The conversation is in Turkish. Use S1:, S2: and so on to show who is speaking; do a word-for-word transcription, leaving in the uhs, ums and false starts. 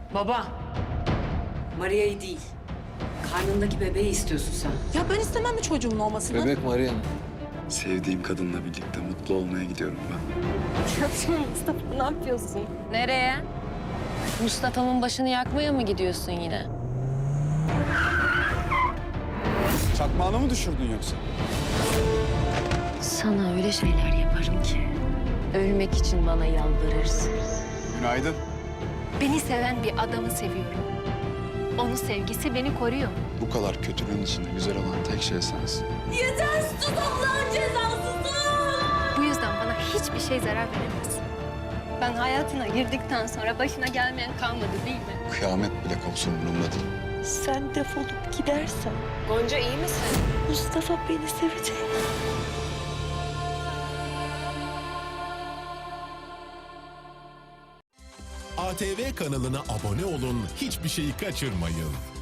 S1: Baba. Maria'yı değil. Karnındaki bebeği istiyorsun sen.
S2: Ya ben istemem mi çocuğumun olmasını?
S3: Bebek Maria'nın.
S4: Sevdiğim kadınla birlikte mutlu olmaya gidiyorum ben.
S2: Mustafa ne yapıyorsun?
S5: Nereye? Mustafa'nın başını yakmaya mı gidiyorsun yine?
S4: Çakmağını mı düşürdün yoksa?
S5: Sana öyle şeyler yaparım ki ölmek için bana yalvarırsın.
S4: Günaydın.
S6: Beni seven bir adamı seviyorum. Onun sevgisi beni koruyor.
S4: Bu kadar kötülüğün içinde güzel olan tek şey sensin.
S6: Bu yüzden bana hiçbir şey zarar veremez. Ben hayatına girdikten sonra başına gelmeyen kalmadı değil mi?
S4: Kıyamet bile kopsun umurumda değil.
S2: Sen defolup gidersen
S5: Gonca iyi misin?
S2: Mustafa beni sevecek.
S7: A T V kanalına abone olun, hiçbir şeyi kaçırmayın.